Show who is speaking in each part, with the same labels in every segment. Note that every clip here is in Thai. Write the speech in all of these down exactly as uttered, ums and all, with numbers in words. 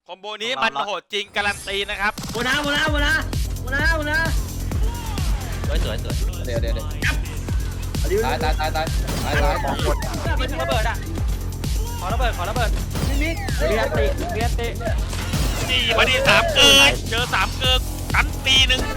Speaker 1: คอมโบนี้มันโหดจริงการันตีนะครับ
Speaker 2: โมนาโมนาโมนาโมนาโมนา
Speaker 3: สวยสวยสวย
Speaker 4: เดี๋ยวเดี๋ยวเดี๋ยว
Speaker 2: เอาดิ
Speaker 4: ตายตายตายตายตายตาย
Speaker 3: ของหมดมีระเบิดอ่ะขอระเบิดขอระเบิด
Speaker 2: มิมิ
Speaker 3: เรียนติเรียนติ
Speaker 1: นี่มาดีสามเกินเจอสามเกินกันปีหนึ่ง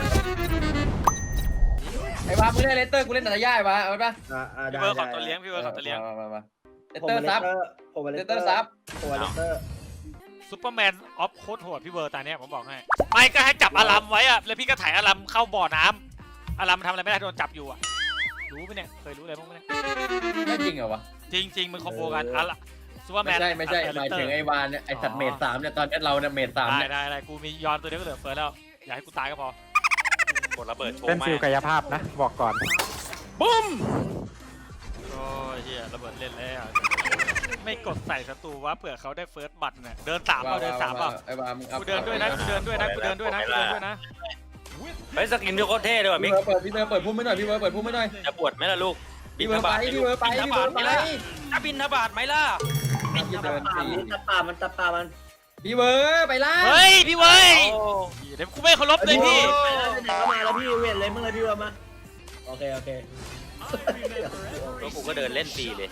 Speaker 4: ไอ้วามึงเล่นเลสเตอร์กูเล่นแต่ละย่ายมาเอาป่ะ
Speaker 2: อ่าอ่า
Speaker 1: พี่เบิร์ดขอตัวเลี้ยงพี่เบิร์ดขอตัวเลี้ยง
Speaker 4: มามามาเลส
Speaker 2: ผม
Speaker 4: เตอร์ซับ
Speaker 2: ผมเล
Speaker 4: เล
Speaker 2: ส
Speaker 4: ส
Speaker 2: เต
Speaker 4: เต
Speaker 2: อ
Speaker 4: อ
Speaker 2: ร์
Speaker 4: ร์ซับ
Speaker 2: ผมเลสเตอร์
Speaker 1: ซูเปอร์แมนออฟโคตรโหดพี่เบิร์ดตาเนี้ยผมบอกให้ไม่ก็ให้จับอารัมไว้อะแล้วพี่ก็ถ่ายอารัมเข้าบ่อน้ำอารัมทำอะไรไม่ได้โดนจับอยู่อะรู้ไหมเนี่ยเคยรู้อะไรบ้างไหมเนี่ย
Speaker 4: ไม่จริงเหรอวะ
Speaker 1: จริงจริงมันคอมโบกันอารัมซูเปอร์แม
Speaker 4: ไม่
Speaker 1: น
Speaker 4: ใช่ไม่ใช่หมายถึงไอ้วานเนี่ยไอ้สัตว์เมดสามเนี่ยตอนนี้เราเนี่ยเมดสาม
Speaker 1: ได้
Speaker 4: เนี่ย
Speaker 1: ได้ได้กูมียอนตัวเดียวก็เหลือเฟิร์สแล้วอย่าให้กูตายก็พอก
Speaker 3: ดระเบิดโชว์
Speaker 5: เป็น
Speaker 3: มา
Speaker 5: ฟิลกายภาพนะ บอกก่อน
Speaker 1: บุ้มโอ้ยเฮียระเบิดเล่นแล้วไม่กดใส่ศัตรูว่าเผื่อเขาได้เฟิร์สบัตรเนี่ยเดินสามเปล่าเดินสามเปล่า
Speaker 4: ไอ้วามึงเอา
Speaker 1: กูเดินด้วยนะกูเดินด้วยนะกูเดินด้วยนะกูเดินด้วยนะ
Speaker 3: เฮ้ยสกินพี่โคตรเท่เลยว่ะ
Speaker 4: พี่
Speaker 3: มิก
Speaker 4: เบิร์ดเปิดพี่เบิร์ดเปิดพุ่มไม่หน่อยพี่เบิร์ดเปิดพุ่มไม่หน่อย
Speaker 3: จะปวดไหมล่ะลูก
Speaker 4: พี่เบิร์ดไปพี่เบิร์ดไป
Speaker 3: บินท
Speaker 4: พี่
Speaker 3: บา
Speaker 4: เบิ
Speaker 3: ท
Speaker 4: ร์ด
Speaker 3: ไหม
Speaker 4: ไป
Speaker 3: ล่ะจะบินทบาทไหมล่ะ
Speaker 4: พี่เดิน
Speaker 2: ป่า
Speaker 4: สี่
Speaker 2: มันตะป่ามันตะป่ามัน
Speaker 4: พี่เบิร์ดไปล่า
Speaker 1: เฮ้ยพี่เว้ย
Speaker 3: โอ้
Speaker 1: เดี๋ยวกูไม่เคารพเลยพี่
Speaker 2: ไปแล้วไหนก็มาแล้วพี่เวทเลยมึงเลยพี่ว่ามาโอเคโอเค
Speaker 3: แล้วกูก็เดินเล่นฟรีเลย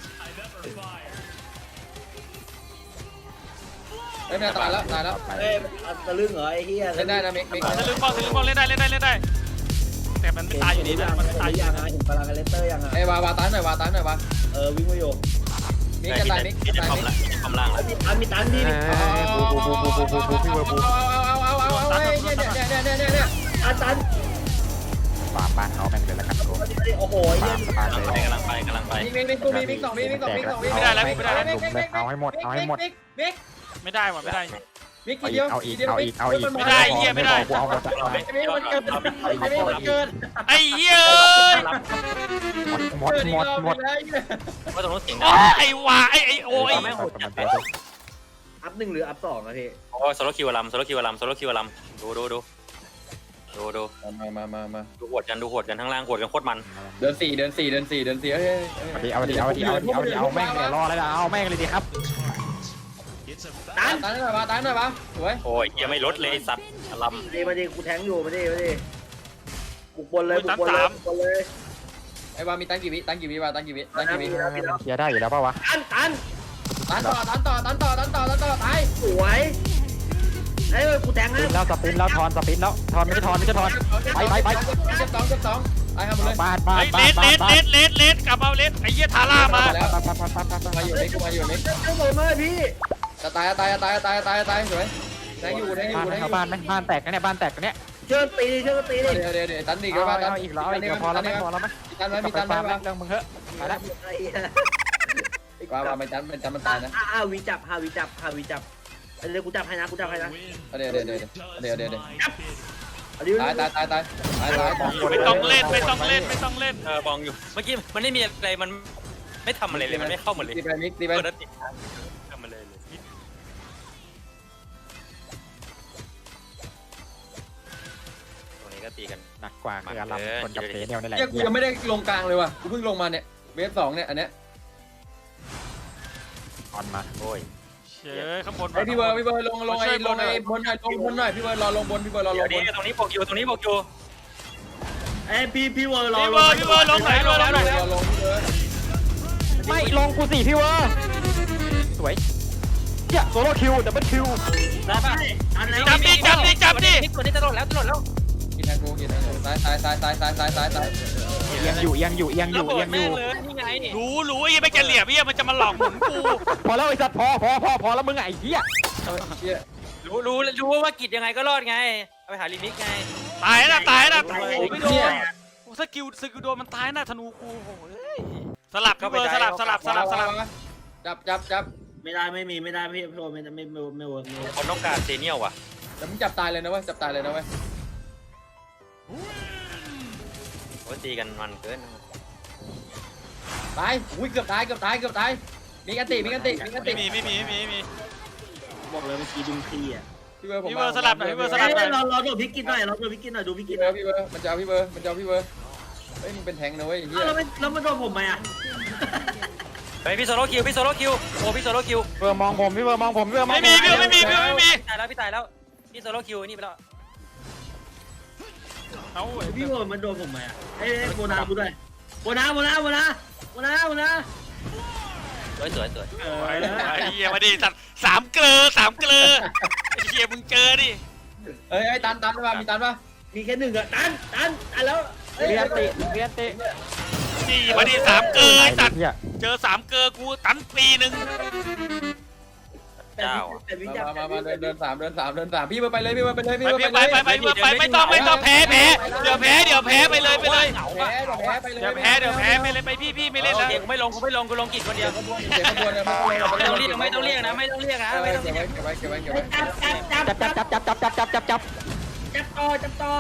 Speaker 4: เฮ้ยแม่ตายแล้วตายแล้ว
Speaker 2: เอ้ยตะลึงเหรอไอ้เหี้ย
Speaker 4: เล่นได้นะมิกมิก
Speaker 1: ทะลึ่งบอลทะลึ่งบอลเล่นได้เล่นได้เล่นได้แต่มันไม่ตายอยู่ดีนะมันไม่ตายอยู่
Speaker 2: ยัง
Speaker 1: ดี
Speaker 2: ไงเห็นพลังเลสเตอร์ยังไง
Speaker 4: ไอ้วาวาตายหน่อยวาตายหน่อยวา
Speaker 2: เออวิ่งมาอยู่
Speaker 4: มิกจะตายมิก
Speaker 3: พี่
Speaker 4: จะ
Speaker 3: จะ
Speaker 4: ตาย
Speaker 3: คอม
Speaker 4: มิก
Speaker 3: ละพี่จะคอมล่างแล้ว
Speaker 2: มีตันมีตันพี่
Speaker 5: เอ้ยบูบูบูบูบูบูบูพี่เวอร์บู
Speaker 4: เอาเอาเอาเอาเอาเอาเนี่ยเนี่ยเนี่ยเนี่ยเนี่ยเนี่ย
Speaker 2: ตันตัน
Speaker 5: ฝากบ้านเขาแม่งเลยละกันโ
Speaker 2: โอ้โห
Speaker 5: ฝากสบาย
Speaker 3: กำลัง
Speaker 5: เล
Speaker 3: ไป
Speaker 5: ย
Speaker 3: กำลังไปกำลังไป
Speaker 4: มิกมิกมิกกูมีมิกสองมิกมิกสองมิกสองมิก
Speaker 5: เอาให้หมดเอาให้หมด
Speaker 4: มิกมิก
Speaker 1: ไม่ได้ว่ะไม่ได้
Speaker 4: มิก
Speaker 5: เอา
Speaker 4: ที
Speaker 5: อี
Speaker 4: เดียว
Speaker 5: กเอาอีก
Speaker 4: ทีเดียว
Speaker 5: เอาอีกเอาอีก
Speaker 1: ไม่ได้เหี้ยไม่ได้
Speaker 5: กูเอาหมด
Speaker 3: เอาไป
Speaker 4: มิกมันเกินมิกมันเกิน
Speaker 1: ไอ้เหี้ย
Speaker 5: หมดหมดหมด
Speaker 3: ว่าตรงนู้นเสียง
Speaker 1: โอ้ไอ้วาไอ้ไอ้โอ้ย
Speaker 2: อัพหนึ่งหรืออัพสองอะพี่
Speaker 3: โอ้โซโลคิวลัมโซโลคิวลัมโซโลคิวลัมดูดูดูดูดู
Speaker 4: มามามามา
Speaker 3: ดูหวดกันดูหวดกันข้างล่างหวดกันโคตรมัน
Speaker 4: เดินสี่เดินสี่เดินสี่เดินสี่เฮ้ย
Speaker 5: เอาดิเอาดิเอาดิเอาดิเอาดิเอาแม่งเลยรอแล้วเอาแม่งเลยดีครับ
Speaker 4: ตายตายหน่อยวะตายหน่อยวะสวย
Speaker 3: โอ้ยยังไม่ลดเลยสัตว์ลัม
Speaker 2: มาดิมาดิกูแทงอยู่มาดิมาดิบุกบนเลยบุกบนเลยบุกบนเลย
Speaker 4: ไอ้วามีตังกี่วิตังกี่วิวะตังกี่วิตังกี่วิ
Speaker 5: เคลียร์ได้อยู่แล้วป่าวะ
Speaker 2: ตันตัน
Speaker 4: ตันต่อตันต่อตันต่อตันต่อตันต่อตาย
Speaker 2: สวยเอ้ยกูแทง
Speaker 5: สปิน
Speaker 2: นะ
Speaker 5: แล้วสปินแล้วทอนสปินแล้วทอนไม่ใช่ทอนไม่ใช่ทอนไปไปไป
Speaker 4: เจ็บสองเจ็บสองตายครับหมดเลย
Speaker 5: บ้านบ้าน
Speaker 1: ไอ้
Speaker 5: บ้า
Speaker 1: เล
Speaker 5: น
Speaker 1: ส
Speaker 5: บ้า
Speaker 1: เล
Speaker 5: น
Speaker 1: สเลสเลสเลสกลับมาเลสไอ้เหี้ยทาร่ามา
Speaker 4: แล้ว
Speaker 5: บ้านบ้านบ้านบ้านบ้าน
Speaker 4: มาอยู่นี่กูมาอยู่นี่
Speaker 2: เจ้าผมเลยพี่
Speaker 4: จะตายตายตายตายตายตายสวยแทงอยู่แทงอยู่
Speaker 5: บ้าน
Speaker 4: แทงอ
Speaker 5: เขา
Speaker 4: ยู่
Speaker 5: บ้านไหมบ้านแตกกันเนี่ยบ้านแตกกันเนี่ย
Speaker 2: เชิญตีเชิญตีดิ
Speaker 4: เดี๋ยวเดี๋ยวเดี๋ยวตันอีกแล้ว
Speaker 5: เอา
Speaker 4: ตัน
Speaker 5: อีกแล้วอีกแล้วพอแล้วไหมพอแล้วไหม
Speaker 4: ตันไหมมี
Speaker 5: กลั
Speaker 4: ตั
Speaker 5: บ
Speaker 4: น
Speaker 5: ไป
Speaker 4: ไหม
Speaker 5: ฟาร์ม
Speaker 4: วะ
Speaker 5: เรื่องมึงเถอะไปแล้ว
Speaker 4: ว่าว่าไม่ตันไม่ตันมันตายนะ
Speaker 2: ห้าวิจับห้าวิจับห้าวิจับเดี๋ยวกูจับให้นะกูจับให้นะ
Speaker 4: เดี๋ยวเดี๋ยวเดี๋ยวเดี๋ยวเดี๋ยวเดี๋ยว
Speaker 2: อันนี้
Speaker 4: ตายตายตายตายตายตาย
Speaker 1: ไม่ต้องเล่นไม่ต้องเล่นไม่ต้องเล่น
Speaker 3: เออบองอยู่เมื่อกี้มันไม่มีอะไรมันไม่ทำอะไรเลยมันไม่เข้ามาเลย
Speaker 4: ตีไปมิกตีไป
Speaker 3: เปิดติดทำมาเลยเลยตรงนี้ก็ตีกัน
Speaker 5: หนักกว่าคืออารมณ์คนกับเฟเนียลนี่แหละ
Speaker 4: เฮียกูยังไม่ได้ลงกลางเลยว่ะกูเพิ่งลงมาเนี่ยเวฟสองเนี่ยอันเนี้ย
Speaker 5: ออนมา
Speaker 3: โอ้ย
Speaker 1: เชยข้างบน
Speaker 4: ไอพี่เบอร์พี่เบอร์ลงลงไอ้ลงไอ้บนหน่อยลงบนหน่อยพี่เบอร์รอลงบนพี่เบอร์รอล
Speaker 3: เดี๋ยว
Speaker 4: งบ
Speaker 3: นี้
Speaker 4: น
Speaker 3: ตรงนี้บอกอยู่ตรงนี้บอกอยู่
Speaker 2: เอ้พี่พี่เวอร์รอ
Speaker 1: พี่เบอร์พี่เบอร์ลงไหนลงไหนลงไหน
Speaker 4: รอลงพี่เบอร์
Speaker 5: ไม่ลงกูสิพี่เวอร์สวยเจ้าโซโล่คิวดับเบิลคิว
Speaker 3: ได้ป่ะ
Speaker 2: อันไหน
Speaker 1: จับดิจับดิจับดิ
Speaker 3: ตัวนี้จะโดดแล้วจะโดดแล้ว
Speaker 4: กินแทงกูกินแทงกูตายตายตายตายตายตายตายตาย
Speaker 5: เอียงอยู่เอียงอยู่เอียงอยู่เอียงอยู่
Speaker 3: เลยนี่ไง
Speaker 1: รู้รู้ไอ้ไม่แกเหลี่ยมไอ้มันจะมาหลอกหมุนกู
Speaker 5: พอแล้วไอ้สัตว์พอพอพอพอแล้วมึงไอ้เหี้ย
Speaker 4: เฮีย
Speaker 3: รู้รู้รู้ว่ากิจยังไงก็รอดไงเอาไปหาลิมิกไง
Speaker 1: ตายนะตายนะ
Speaker 2: โอ้
Speaker 1: โอ้
Speaker 2: ย
Speaker 1: ไม่โดนสกิลสกิลโดนมันตายนะธนูกูโอ้ยสลับพี่เบอร์สลับสลับสลับสลับ
Speaker 4: จับจับจับ
Speaker 2: ไม่ได้ไม่มีไม่ได้พี่พี่โอไม่ไม่ไม่ไม่เวิร์กไม่เวิร์ก
Speaker 3: คนต้องการเซเนียลว่ะ
Speaker 4: แต่มึงจับตายเลยนะเว้ยจับตายเลยนะเว้ย
Speaker 3: โอ้ตีกันมันเกิน
Speaker 4: ตายอุ้ยเกือบตายเกือบตายเกือบตายมีกันติมีกันติมีกันติ
Speaker 1: ไม่มีไม่มีไม่มีไม่มี
Speaker 2: บอกเลยเมื่อกี้ดุมพีอ่ะ
Speaker 4: พี่เบอร์ผม
Speaker 1: พี่เบอร์สลับหน่อยพี่เบอร์สลั
Speaker 2: เอ้
Speaker 1: บ
Speaker 2: ยเราเราดูพี่กินหน่อยเราดูพี่กินหน่อยดูพี่กิ
Speaker 4: พี่
Speaker 2: น
Speaker 4: เบ
Speaker 2: ห
Speaker 4: อ
Speaker 2: น่อย
Speaker 4: ร์พี่เบอร์มันจะเอาพี่เบอร์มันจะเอาพี่เบอร์เฮ้ยมึงเป็นแทงนะเว้ยเฮีย
Speaker 2: แล้วมันแล้วมันโดนผมไหมอ่ะ
Speaker 3: เฮ้ยพี่โซโล่คิวพี่โซโล่คิวโอ้พี่โซโล่คิว
Speaker 5: พี่เวอร์มองผมพี่เวอร์มองผมพี่เวอร์มอง
Speaker 1: ไม่มีพี่ไม่มีพี่ไม่มี
Speaker 3: ตายแล้วพี่ตายแล้วพี่โซโล่คิวนี่ไปแล้ว
Speaker 1: เอา
Speaker 2: พี่โบมันโดนผมไหมอ่ะเอ้ยโบนากูด้วยโบนาโบนาโบนาโบนาโบนา
Speaker 3: สวยสวยสวย
Speaker 2: เออ
Speaker 1: ไอ้เหี้ยมาดิสัตว์สามเกลือสามเกลือไอ้เหี้ยมึงเจอดิ
Speaker 4: เอ้ยไอ้ตันตันป่ะมีตันป่ะ
Speaker 2: มีแค่หนึ่งอ่ะตันตันตันแล้ว
Speaker 5: เรียนติเรียนติ
Speaker 1: นี่มาดิสามเกลือไอ้สัตว์
Speaker 5: เหี้ย
Speaker 1: เจอสามเกลือกูตันปีหนึ่ง
Speaker 3: เจ้า
Speaker 2: แต่วิญญาณ
Speaker 4: มามามาเดินเดินสามเดินสามเดินสามพี่เบอร์ไปเลยพี่เบอร์ไปเลยพี่
Speaker 1: ไป
Speaker 4: เบอร์
Speaker 1: ไป
Speaker 4: ไป
Speaker 1: ไป
Speaker 4: เลย
Speaker 1: ไปไปไปไม่ต้องไม่ต้องแพ้แพ้เดี๋ยวแพ้เดี๋ยวแพ้ไปเลยไปเลย
Speaker 4: แพ้แพ้ไปเลย
Speaker 1: เดี๋ยวแพ้เดี๋ยวแพ้ไปเลยไปพี่พี่ไม่เล่นแล้ว
Speaker 3: กูไม่ลงกูไม่ลงกูลงกิจคนเดียว
Speaker 4: เสียขบวนเลยไม่ต้อง
Speaker 3: ไม่ต้องเรียกไม่ต้องเรียกนะไม่ต้องเรียกนะไม่ต้อง
Speaker 4: เก็บ
Speaker 3: เรีย
Speaker 4: ไว้
Speaker 3: ก
Speaker 4: เก็บไว้เก็บไว้เก็บไว้
Speaker 2: จับจับจับ
Speaker 5: จับจับจับจับจับจับจับจับจับ
Speaker 2: จับต่อจับต่อ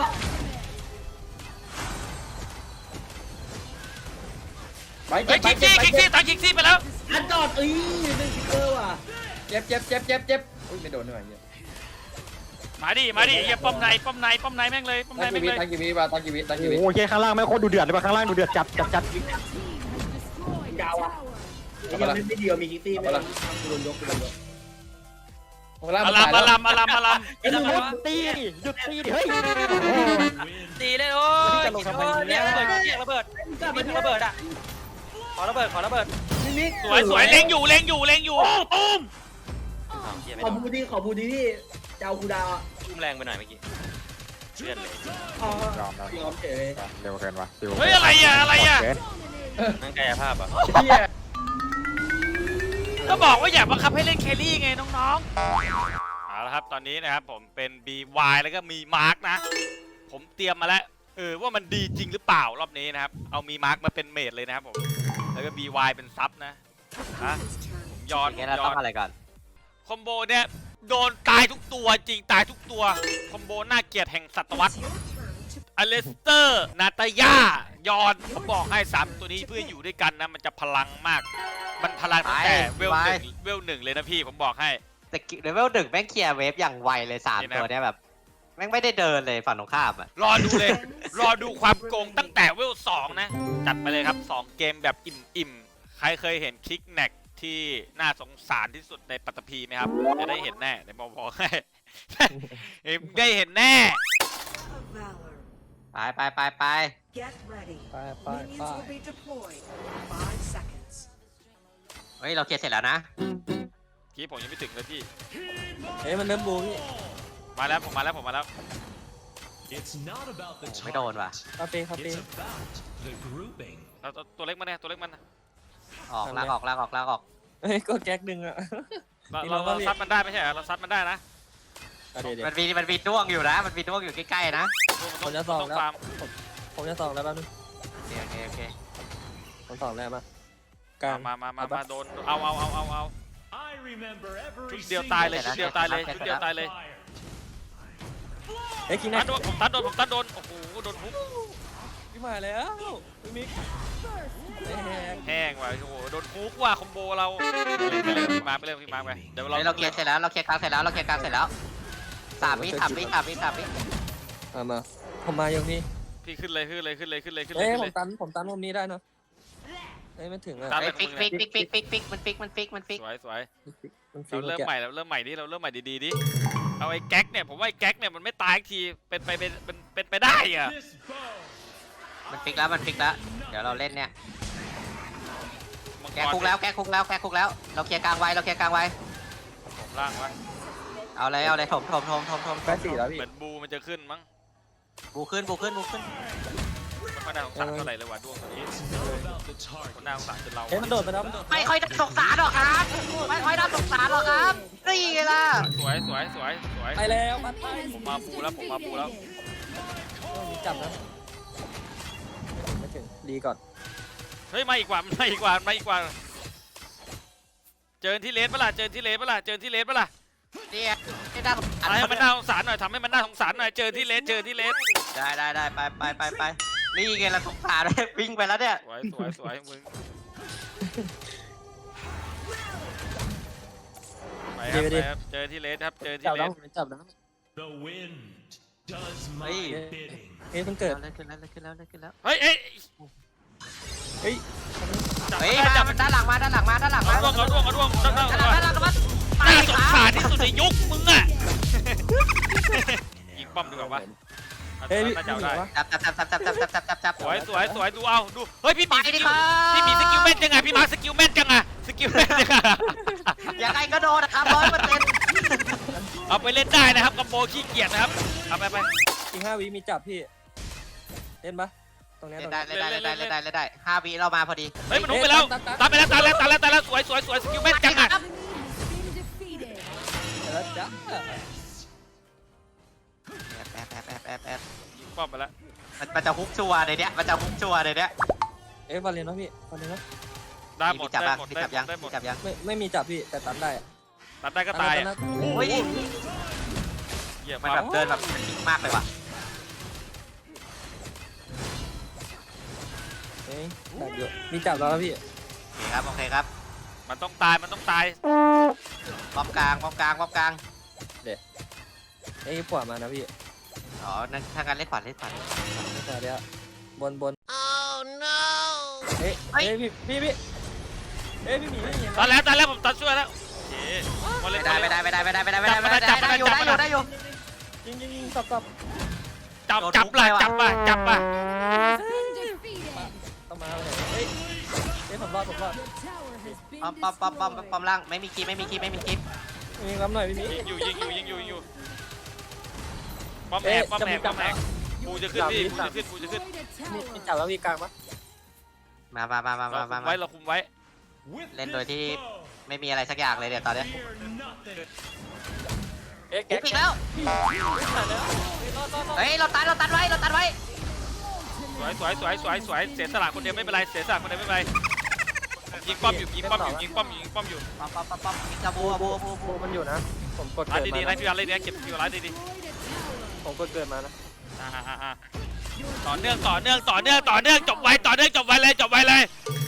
Speaker 4: ไป
Speaker 1: เฮ้ยคิกซี่คิกซี่ตายคิกซี่ไปแล้ว
Speaker 2: อันจอดเอ้ยหนึ่งฟิกเกอร์ว่ะ
Speaker 4: เจ็บเจ็บเจ็บเจ็บเจ็บอุ้ยไม่โดนด้วยเนี่ย
Speaker 1: มาดิมาดิเฮียป้อมในป้อมในป้อมในแม่งเลยป้อมใน
Speaker 4: ตั้ง
Speaker 1: แม่
Speaker 4: กี
Speaker 1: ง
Speaker 4: วิ
Speaker 1: เลย
Speaker 4: ตั้งกีวิมาตั้งกีวิตั้งกีวิ
Speaker 5: โอ้โหข้างล่างไม่โคตรดูเดือดเลยป่ะข้างล่างดูเดือดจับจับจับ
Speaker 2: ยาวอ่ะยังไม่ไม่เดียวมีคิกซี่ไม่กูโดนยกกูโดนยก
Speaker 1: อลัมอลัมอลัมอลัม
Speaker 3: ไอ้ทำไม
Speaker 5: หยุด
Speaker 3: วะ
Speaker 5: ตีดิหยุดตีดิเฮ้ย
Speaker 3: ตีเลยโอ้ยเรียกระเบิดเรียกระเบิดมีระเบิดอ่ะขอระเบิดขอระเบิด
Speaker 2: มิมิ
Speaker 1: สวยสวยเล็งอยู่เล็งอยู่เล็งอยู่ตุ้ม
Speaker 2: ขอบูดีขอบูดีพี่เจ้ากูดาวอ่ะ
Speaker 3: ทุ่มแรงไปหน่อยเมื่อกี้เลือดเลย
Speaker 2: อ๋อย
Speaker 5: อมแล้ว
Speaker 2: ยอมเฉย
Speaker 5: เร็วเกินว่ะ
Speaker 1: เฮ้ยอะไรอ่ะอะไรอ่ะ
Speaker 3: นั่งกายภาพอ่ะ
Speaker 4: เฮีย
Speaker 1: ก็บอกว่าอยากบังคับให้เล่นแครี่ไงน้องๆเอาละครับตอนนี้นะครับผมเป็น บี วาย แล้วก็มีมาร์กนะผมเตรียมมาแล้วเออว่ามันดีจริงหรือเปล่ารอบนี้นะครับเอามีมาร์กมาเป็นเมดเลยนะครับผมแล้วก็ บี วาย เป็นซับนะฮะผมย้อน
Speaker 5: งั้นเราต้องอะไรก่อน
Speaker 1: คอมโบเนี่ยโดนตายทุกตัวจริงตายทุกตัวคอมโบน่าเกลียดแห่งศตวรรษอเลสเตอร์นาตาย่ายอนผมบอกให้สามตัวนี้เพื่ออยู่ด้วยกันนะมันจะพลังมาก มันพลังตั้งแต่เวลหนึ่งเวลหนึ่งเลยนะพี่ผมบอกให้
Speaker 6: แต่เลเวลหนึ่งแม่งเคลียร์เวฟอย่างไวเลยสาม
Speaker 1: นี่นะ
Speaker 6: ตัวเนี้ยแบบแม่งไม่ได้เดินเลยฝั่งตรงข้ามอ่ะ
Speaker 1: รอดูเลย รอดูความโกงตั้งแต่เวลสองนะ จัดไปเลยครับสองเกมแบบอิ่มๆ ใครเคยเห็นคิกแน็กที่น่าสงสารที่สุดในปัตตภีไหมครับจะได้เห็นแน่ในบอกบอกให้ ได้เห็นแน่
Speaker 6: ไปไปไปไป
Speaker 7: Get ready.
Speaker 4: ไปไป
Speaker 7: Minions
Speaker 4: ไป
Speaker 7: will be deployed in five seconds.
Speaker 6: เฮ้ยเราเคลียร์เสร็จแล้วนะ
Speaker 1: กี้ผมยังไม่ถึงเลยพี่
Speaker 4: เฮ้ยมันเริ่มบูพี่
Speaker 1: มาแล้วผมมาแล้วผมมาแล้ว
Speaker 8: It's not about the
Speaker 6: ไม่โดนว่ะ
Speaker 4: คาเฟ่คาเฟ่
Speaker 8: It's about the grouping.
Speaker 1: เราตัวตัวเล็กมันเนี่ยตัวเล็กมัน
Speaker 6: ออกลากออกลากออกลากออก
Speaker 4: เฮ้ยก็แก๊กดึงอ่ะ
Speaker 1: เรา
Speaker 4: นี่
Speaker 1: เรา
Speaker 4: เราก็
Speaker 1: เรา
Speaker 4: เรียก
Speaker 1: ซัดมันได้ไม่ใช่เหรอเราซัดมันได้นะ
Speaker 4: เดี๋ยวเดี๋ยว
Speaker 6: มันมีมันมีด้วงอยู่นะ มันมีด้วงอยู่ใกล้ๆนะ
Speaker 4: ผมจะส่อง
Speaker 1: ต้อง
Speaker 4: แล้ว
Speaker 1: ฟาร์ม
Speaker 4: ผมจะส่องแล้วแป๊บนึง
Speaker 6: โอเคโอเคโอเค
Speaker 4: ผมส่องแล้วมากลาง
Speaker 1: มามามามาโดนเอาเอาเอาเอาเอา
Speaker 8: I remember
Speaker 1: ชุ
Speaker 8: every
Speaker 1: ดเดียวตายเลย
Speaker 8: single
Speaker 1: ชุดเดียวตายเลยชุดเดียวตายเลย
Speaker 8: fire.
Speaker 4: เฮ้ยคิง
Speaker 1: ตั
Speaker 4: แน็
Speaker 1: ด
Speaker 4: ก
Speaker 1: โดนผมตัดโดนผมตัดโดนโอ้โหโดนทุบ
Speaker 4: พี่มาแล้วพี่มิก
Speaker 1: แห้งว่ะโอ้โหโดนทุบว่ะคอมโบเราไปเลยพี่มาไปเลยพี่มาไปเดี๋ยวเรา
Speaker 6: เฮ้ยเราเคลียร์เสร็จแล้วเราเคลียร์กลางเสร็จแล้วเราเคลียร์กลางเสร็จแล้วสามวิสามวิสามวิสามวิ
Speaker 4: มามาผมมาอย่างนี้
Speaker 1: พี่ขึ้นเลยขึ้นเลยขึ้นเลยขึ้นเลยขึ้นเล
Speaker 4: เฮ้
Speaker 1: ย
Speaker 4: ย
Speaker 1: ขึ้น
Speaker 4: ผ
Speaker 1: เล
Speaker 4: ม
Speaker 1: ย
Speaker 4: ตันผมตันมุมนี้ได้เนาะเฮ้ยไม่ถึงอ่ะ
Speaker 1: ตัน
Speaker 6: เฮ้ยฟิกฟิกฟิกฟิกฟิกฟิกมันฟิกมันฟิกมันฟิก
Speaker 1: สวยสวย
Speaker 4: มันฟิ
Speaker 1: เรา
Speaker 4: ว
Speaker 1: เริ่ม
Speaker 4: แกะ
Speaker 1: ใหม่เราเริ่มใหม่ดิเราเริ่มใหม่ดีๆดิเอาไอ้แก๊กเนี่ยผมว่าไอ้แก๊กเนี่ยมันไม่ตายทีเป็นไปเป็นเป็นเป็นไปได้อะ
Speaker 8: This bow.
Speaker 6: มันฟิกแล้วมันฟิกแล้วเดี๋ยวเราเล่นเนี่ย
Speaker 1: มัง
Speaker 6: แกคุกแล้วแกคุกแล้วแกคุกแล้วเราเคลียร์กลางไว้เราเคลียร์กลางไว้
Speaker 1: ผมล่างวะ
Speaker 6: เอาเลยเอาเลยถมถมถมถมถม
Speaker 4: แค่สี่แล้วพี่
Speaker 1: เหมือนบูมันจะขึ้นมั้ง
Speaker 6: บูขึ้นบูขึ้นบูขึ้น
Speaker 1: มันไม่น่าสงสารเท่าไหร่เลยว่ะดวงตัวนี้
Speaker 8: It's not about the
Speaker 1: คน
Speaker 8: target.
Speaker 1: น่าสงสารจนเรา
Speaker 4: เฮ้ยมันโดดไปแล้วมันโดด
Speaker 6: ไม่ค่อยน่าสงสารหรอกครับไม่ค่อยน่าสงสารหรอกครับนี่ไงล่ะ
Speaker 1: สวยสวยสวยสวย
Speaker 4: ไปแล้วปัดไป
Speaker 1: ผมมาบูแล้วผมมาบูแล้ว
Speaker 4: จับนะไม่ถึงรีก่อน
Speaker 1: เฮ้ยมาอีกว่ามาอีกว่ามาอีกว่าเจอที่เลสปะล่ะเจอที่เลสปะล่ะเจอที่เลสปะล่ะ
Speaker 6: เนี่ยไม่น่าสงสาร
Speaker 1: ให้มันน่าสงสารหน่อยทำให้มันน่าสงสารหน่อยเจอที่เลสเจอที่เลส
Speaker 6: ได้ได้ได้ไปไปไปไปนี่ไงล่ะสงสารเลยวิ่งไปแล้วเนี่ย
Speaker 1: สวยสวยสวยมึงไปครับไปครับเจอที่เลสครับเจอที่
Speaker 4: จับ
Speaker 1: เล
Speaker 4: แล้ว
Speaker 1: ส
Speaker 4: จับแล้ว
Speaker 8: The wind does my bidding.
Speaker 4: เฮ้ยมันเกิด
Speaker 6: เล่นขึ้นแล้วเล่นขึ้นแล้วเล่นขึ้นแล้ว
Speaker 1: เฮ้ยเอ้ย
Speaker 4: เฮ้ย
Speaker 1: จับ
Speaker 6: เฮ้ย
Speaker 1: ได้
Speaker 6: มา
Speaker 1: จับ
Speaker 6: ด้านหลังมาด้านหลังมาด้านหลัง
Speaker 1: เอา
Speaker 6: มา
Speaker 1: ร่วงเอาร่วงเอาร่วงด้านหน้า
Speaker 6: ด้านหลังด้านหลังมา
Speaker 1: น่าสงสารที่สุดในยุคมึงอะยิงป้อมดีกว่าวะ
Speaker 5: เฮ้ยพี่
Speaker 1: น่าจะเอาได้
Speaker 6: จับจับจับจับจับจับจับจับจับ
Speaker 1: สวยสวยสวยดูเอาดูเฮ้ยพี่หมี
Speaker 6: ไป
Speaker 1: ส
Speaker 6: ดิ
Speaker 1: กิ
Speaker 6: ค
Speaker 1: ล
Speaker 6: รับ
Speaker 1: พี่หมีสกิลแม่นยังไงพี่มาสกิลแม่นจังอะสกิลแม่นยังไง
Speaker 6: ยังไงก็โดนนะครับร้อยเปอร์เซ็นต์
Speaker 1: เอาไปเล่นได้นะครับกับโบขี้เกียจนะครับเอาไปไป
Speaker 5: อีกห้าวิมีจับพี่เล่นปะตรงเนี้ย
Speaker 6: เล่
Speaker 5: ต
Speaker 6: น
Speaker 5: รง
Speaker 6: ได้
Speaker 5: เนี้ย
Speaker 6: เล่นได้เล่นได้เล่นได้เล่นได้ห้าวิเรามาพอดี
Speaker 1: เฮ้ยมันหุบไปแล้วตามไปแล้วตามแล้วตามแล้วตามแล้วสวยสวยสวยสกิลแม่นจังอะ
Speaker 5: แล้วจ้ะ
Speaker 6: แอบแอบแอบแอบแอบ
Speaker 1: ยิงป้อมไปแล้ว
Speaker 6: มันมันจะฮุกชัวร์ในเนี้ยมันจะฮุกชัวร์ในเนี้ย
Speaker 5: เอ๊ะบอลเลนวะพี่บอลเลนวะ
Speaker 1: ได้หม
Speaker 6: มี
Speaker 1: ด
Speaker 6: จับ
Speaker 1: ได้
Speaker 6: ยัง
Speaker 1: หมด
Speaker 6: มี
Speaker 1: ได้
Speaker 6: จับยัง
Speaker 1: ได้หม
Speaker 6: มี
Speaker 1: ด
Speaker 6: จับยัง
Speaker 5: ไม่ไม่มีจับพี่แต่ตัดได้อะ
Speaker 1: ตัดได้ก็ตาย
Speaker 5: อัน
Speaker 1: อะ
Speaker 5: นั้น
Speaker 6: โอ้ย
Speaker 1: เหี้ย
Speaker 6: มัน
Speaker 1: มา
Speaker 6: แบบเดินแบบมันนิ่งมากเลยว่ะ
Speaker 5: เอ้ยดักอยู่มีจับแล้วนะพี่
Speaker 6: โอเคครับโอเคครับ
Speaker 1: มันต้องตายมันต้องตาย
Speaker 6: ป้อมกลางป้อมกลางป้อมกลาง
Speaker 5: เอ้ยขวามานะพี่
Speaker 6: อ๋อนั่นทางการเล่นขวาเล่นขวา
Speaker 5: ไม่ขวาเดี๋ยวบนบนเอ้ยเอ้ยพี่พี่พี่เอ้ยพี่หมีพี่หมี
Speaker 1: ตอนแล้วตอนแล้วผมตัดช่วยแล้วโอเคบอลเล่
Speaker 6: ไม่
Speaker 1: น
Speaker 6: ได้ไม่ได้ไม่ได้ไม่ได้ไม่ได้ไม่ได้ไม่ได้
Speaker 1: จับมา
Speaker 6: ได้อยู่
Speaker 1: จับ
Speaker 6: ได้
Speaker 1: มา
Speaker 6: อยู่ได้อยู่
Speaker 5: ยิงยิงยิงสับสับ
Speaker 1: จับจับละจับมาจับมา
Speaker 5: ต้องมาเลยเอ้ยเอ้ยผมรอดผมรอด
Speaker 6: ป้อมป้อมป้อมป้อมป้อมล่างไม่มีคีไม่มีคีไม่มีคี
Speaker 5: ยิงรับหน่อยพี่หมี
Speaker 1: ยิงอยู่ยิงอยู่ยิงอยู่ยิงอยู่ป้อมแหกป้อมแหกป้อมแหกกูจะขึ้นพี่กูจะขึ้นกูจะขึ้น
Speaker 5: มีมีจับแล้วพี่กลางปะ
Speaker 6: มามามามา
Speaker 1: เรา
Speaker 6: มา
Speaker 1: คุ
Speaker 6: มาม
Speaker 1: ไว้เราคุมไว้
Speaker 8: With
Speaker 6: เล่นโดยที่
Speaker 8: this bow,
Speaker 6: ไม่มีอะไรสักอย่างเลยเดี๋ยวตอนเนี้ย
Speaker 8: fear nothing.
Speaker 5: เอ๊ะ
Speaker 6: ปุ๊
Speaker 5: แก๊
Speaker 6: บ
Speaker 5: ก
Speaker 6: อีกแล้วเฮ้ยเราตันเราตันไว้เราตันไว้
Speaker 1: สวยสวยสวยสวยสวยเสียสละคนเดียวไม่เป็นไรเสียสละคนเดียวไม่เป็นไรยิงป้อมอยู่ยิงป้อมอยู่ยิงป้อมอยู่ยิงป้อมอยู่
Speaker 6: ป้อมป้อมป้อมป้อมยิงกระบูบูบูบู
Speaker 5: มันอยู่นะผมกด
Speaker 1: ร้าน
Speaker 5: เกิด
Speaker 1: ดีๆ
Speaker 5: มา
Speaker 1: นะพี่ร้านดีๆเก็บคิวร้านดี
Speaker 5: ผมกดเกิดมานะ
Speaker 1: ๆอ่าๆต่อเนื่องต่อเนื่องต่อเนื่องต่อเนื่องจบไว้ต่อเนื่องจบไว้เลยจบไว้เลย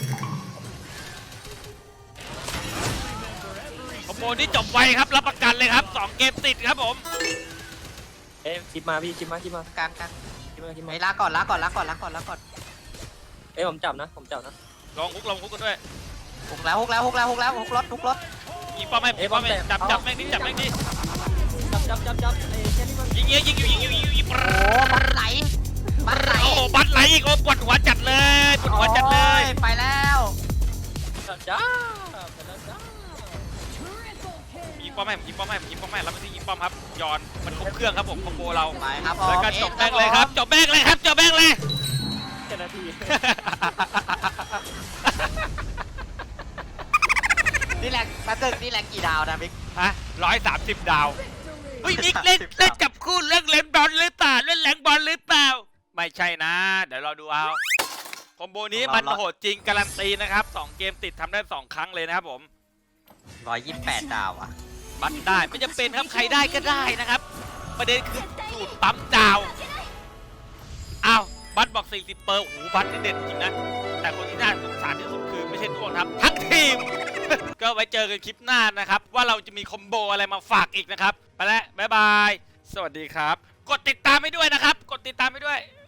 Speaker 1: คอมโบนี้จบไวครับรับประกันเลยครับสองเกมติดครับผม
Speaker 5: เอ๊ะคลิปมาพี่คลิปมาคลิปมาก
Speaker 6: ลางกลาง
Speaker 5: คลิปมาคลิปมา
Speaker 6: ไอ้ลาก่อนลาก่อนลาก่อนลาก่อนลาก่อน
Speaker 5: เอ๊ะผมจับนะผมจับนะ
Speaker 1: ลองฮุกลองฮุกกันด้วย
Speaker 6: ฮุกแล้วฮุกแล้วฮุกแล้วฮุกแล้วฮุกรถฮุกรถ
Speaker 1: ยิงป้อมให้ยิงป้อมให้จับจับแม่งดิจับแม่งดิ
Speaker 5: จับจับจับจับเอ้ยแค่นี้มัน
Speaker 1: ยิงเงี้ยยิงอยู่ยิงอยู่ยิงอยู่ยิง
Speaker 6: โอ้มันไหลมันไหล
Speaker 1: โอ้โหบัตรไหลอีกโอ้ปวดหัวจัดเลยปวดหัวจัดเลย
Speaker 6: โอ้ไปแล้ว
Speaker 5: จับจ้าไปแล้วจ้า
Speaker 1: ยิงป้อมให้ยิงป้อมให้ยิงป้อมให้แล้วไม่ใช่ยิงป้อมครับย้อนมันครบเครื่องครับผมคอมโบเรา
Speaker 6: ไปครับผม
Speaker 1: แล้วก็จบแม่งเลยครับจบแม่งเลยครับจบแม่งเลย
Speaker 5: แค่นาที
Speaker 6: นี่แหละแป๊บนึงนี่แหละกี่ดาวนะบิ๊ก
Speaker 1: ฮะร้อยสามสิบดาวเฮ้ยนิกเล่นเล่นจับคู่เล่นเล่นบอลหรือเปล่าเล่นแหลงบอลหรือเปล่าไม่ใช่นะ เดี๋ยวเราดูเอาคอมโบนี้มันโหดจริงการันตีนะครับสองเกมติดทำได้สองครั้งเลยนะครับผม
Speaker 6: ร้อยยี่สิบแปดดาวอ่ะ
Speaker 1: บัตรได้ไม่จำเป็นครับใครได้ก็ได้นะครับ ประเด็นคือสูตรปั๊มดาวอ้าวบัตรบอกสี่สิบเปอร์โอ้โหบัตรนี่เด่นจริงนะแต่คนที่น่าสงสารที่สุดคือไม่ใช่ด้วงครับทั้งทีม ก็ไว้เจอกันคลิปหน้านะครับ ว่าเราจะมีคอมโบอะไรมาฝากอีกนะครับ ไปแล้วบ๊ายบาย สวัสดีครับ กดติดตามให้ด้วยนะครับ กดติดตามให้ด้วย